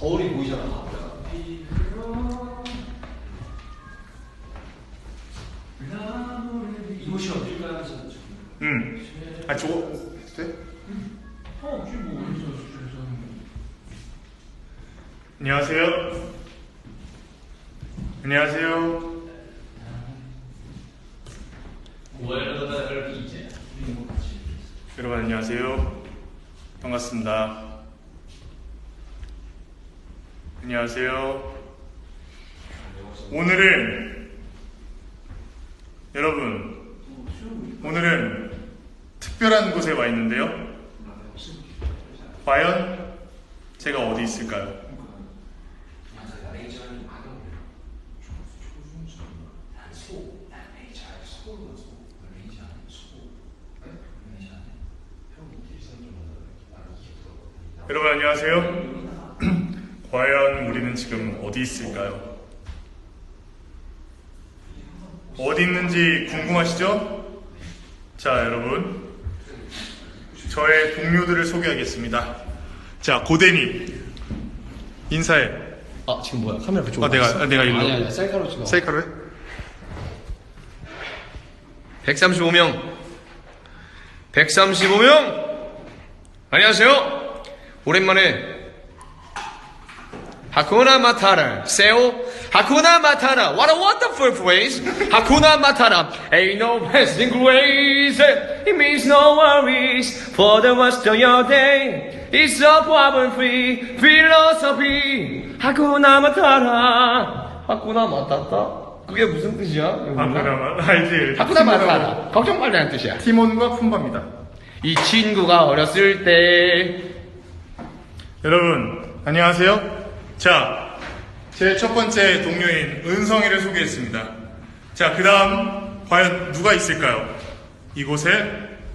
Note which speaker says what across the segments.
Speaker 1: 거울이 보이잖아.
Speaker 2: 이곳이 어딜까요? 하면서
Speaker 3: 응. 아 저거 돼?
Speaker 2: 지금 뭐 어디서 주셔서
Speaker 3: 안녕하세요. 안녕하세요. 여러분 안녕하세요. 반갑습니다. 안녕하세요. 오늘은 특별한 곳에 와 있는데요. 과연 제가 어디 있을까요? 여러분 안녕하세요. 과연 우리는 지금 어디 있을까요? 어디 있는지 궁금하시죠? 자, 여러분, 저의 동료들을 소개하겠습니다. 자, 고대님 인사해.
Speaker 1: 아 지금 뭐야? 카메라 그쪽으로.
Speaker 3: 내가 일로.
Speaker 1: 아니 셀카로 찍어.
Speaker 3: 셀카로 해?
Speaker 1: 135명. 안녕하세요. 오랜만에 하쿠나 마타라 세오 하쿠나 마타라 what a wonderful phrase 하쿠나 마타라 ain't no passing grace it means no worries for the rest of your day it's a problem free philosophy 하쿠나 마타라 하쿠나 마타타 그게 무슨 뜻이야?
Speaker 3: 하쿠나 알지?
Speaker 1: 하쿠나 마타라 걱정 말라는 뜻이야.
Speaker 3: 티몬과 푼바입니다.
Speaker 1: 이 친구가 어렸을 때
Speaker 3: 여러분 안녕하세요. 자, 제 첫 번째 동료인 은성이를 소개했습니다. 자, 그 다음 과연 누가 있을까요? 이곳에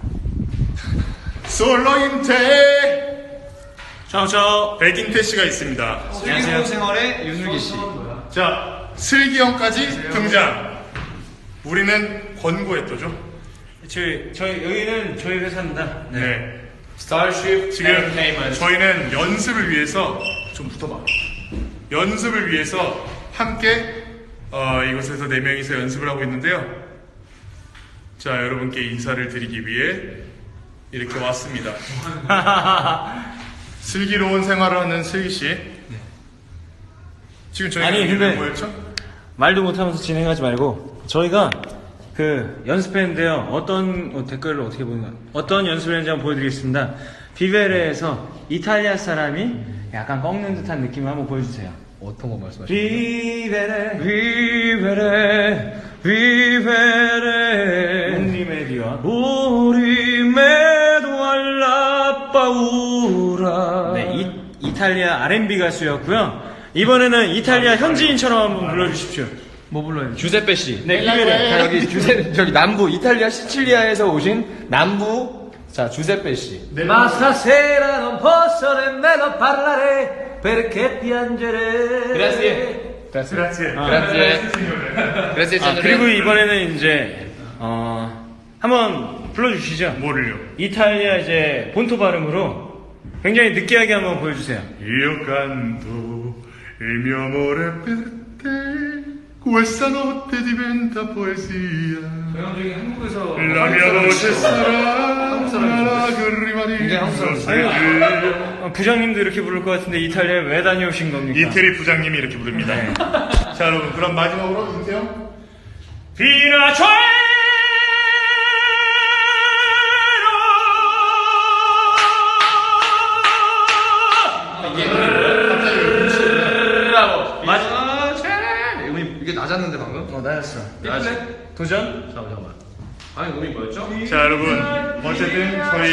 Speaker 3: 솔로인태 백인태 씨가 있습니다.
Speaker 1: 슬기로운 생활의 윤슬기 씨.
Speaker 3: 자, 슬기 형까지 등장. 우리는 권고했도죠.
Speaker 2: 저희 여기는 저희 회사입니다.
Speaker 3: 네.
Speaker 1: 스타쉽
Speaker 3: 지금 저희는 연습을 위해서 좀 붙어봐. 연습을 위해서 함께 이곳에서 4명이서 연습을 하고 있는데요. 자, 여러분께 인사를 드리기 위해 이렇게 왔습니다. 슬기로운 생활을 하는 슬기씨. 지금 저희가
Speaker 2: 아니, 근데-
Speaker 3: 뭐였죠?
Speaker 2: 말도 못하면서 진행하지 말고 저희가 그 연습했는데요. 어떤 댓글을 어떻게 보는가? 어떤 연습을 했는지 한번 보여드리겠습니다. 비베레에서 이탈리아 사람이 약간 꺾는 듯한 느낌을 한번 보여주세요.
Speaker 1: 어떤 거 말씀하시죠?
Speaker 2: 비베레 비베레 롱리메디와 우리메도 알라 파우라. 네, 이탈리아 R&B 가수였고요. 이번에는 이탈리아 현지인처럼 한번 불러주십시오. 뭐 불러요?
Speaker 1: 주세페 씨.
Speaker 2: 네, 비베레.
Speaker 1: 자, 여기 저기 남부 이탈리아 시칠리아에서 오신 남부 자 주세페 씨.
Speaker 2: Ma stasera non posso nemmeno parlare perché piangere.
Speaker 1: 그라시에.
Speaker 3: 그라zie.
Speaker 1: 그라시에.
Speaker 2: 그리고 이번에는 이제 한번 불러주시죠.
Speaker 3: 뭐를요?
Speaker 2: 이탈리아 이제 본토 발음으로 굉장히 느끼하게 한번 보여주세요.
Speaker 3: Io canto il mio amore per te questa notte diventa poesia
Speaker 2: 저희 한국에서
Speaker 3: La mia voce sarà una lacrima di
Speaker 2: 부장님도 이렇게 부를 것 같은데 이탈리아에 왜 다녀오신 겁니까?
Speaker 3: 이태리 부장님이 이렇게 부릅니다. 자, 여러분, 그럼 마지막으로 윤태형.
Speaker 1: 이게 낮았는데 방금?
Speaker 2: 나였어. 도전?
Speaker 1: 잠깐만. 아니 음이 뭐였죠?
Speaker 3: 자, 여러분, 어쨌든 저희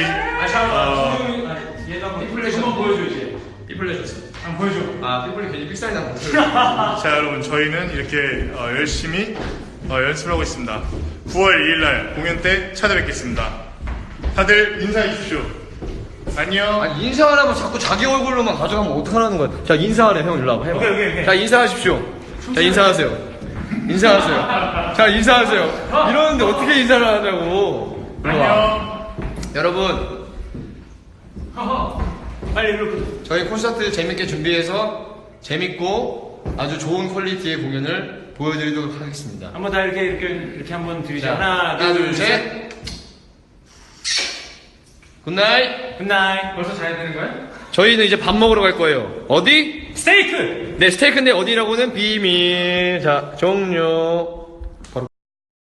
Speaker 1: 피플레이션 한번 보여줘야지. 피플레이션.
Speaker 2: 한번 보여줘.
Speaker 1: 아 피플레이 괜히 삑사리 나고.
Speaker 3: 자, 여러분, 저희는 이렇게 열심히 연습을 하고 있습니다. 9월 2일날 공연 때 찾아뵙겠습니다. 다들 인사해 주십시오. 안녕.
Speaker 1: 아니 인사하라면 자꾸 자기 얼굴로만 가져가면 어떡하라는 거야? 자 인사하래 형 일로 와봐. 해봐.
Speaker 2: 오케이.
Speaker 1: 자 인사하십시오. 자 인사하세요. 인사하세요. 자 인사하세요. 이러는데 어떻게 인사를 하냐고. 일로 와.
Speaker 3: 안녕.
Speaker 1: 여러분
Speaker 2: 빨리 이렇게.
Speaker 1: 저희 콘서트 재밌게 준비해서 재밌고 아주 좋은 퀄리티의 공연을 보여드리도록 하겠습니다.
Speaker 2: 한번 다 이렇게 한번 드리자.
Speaker 1: 자,
Speaker 2: 하나, 둘, 셋.
Speaker 1: 굿나잇.
Speaker 2: 굿나잇. 벌써 자야 되는 거야?
Speaker 1: 저희는 이제 밥 먹으러 갈 거예요. 어디?
Speaker 2: 스테이크!
Speaker 1: 네, 스테이크인데 어디라고는 비밀. 자, 종료.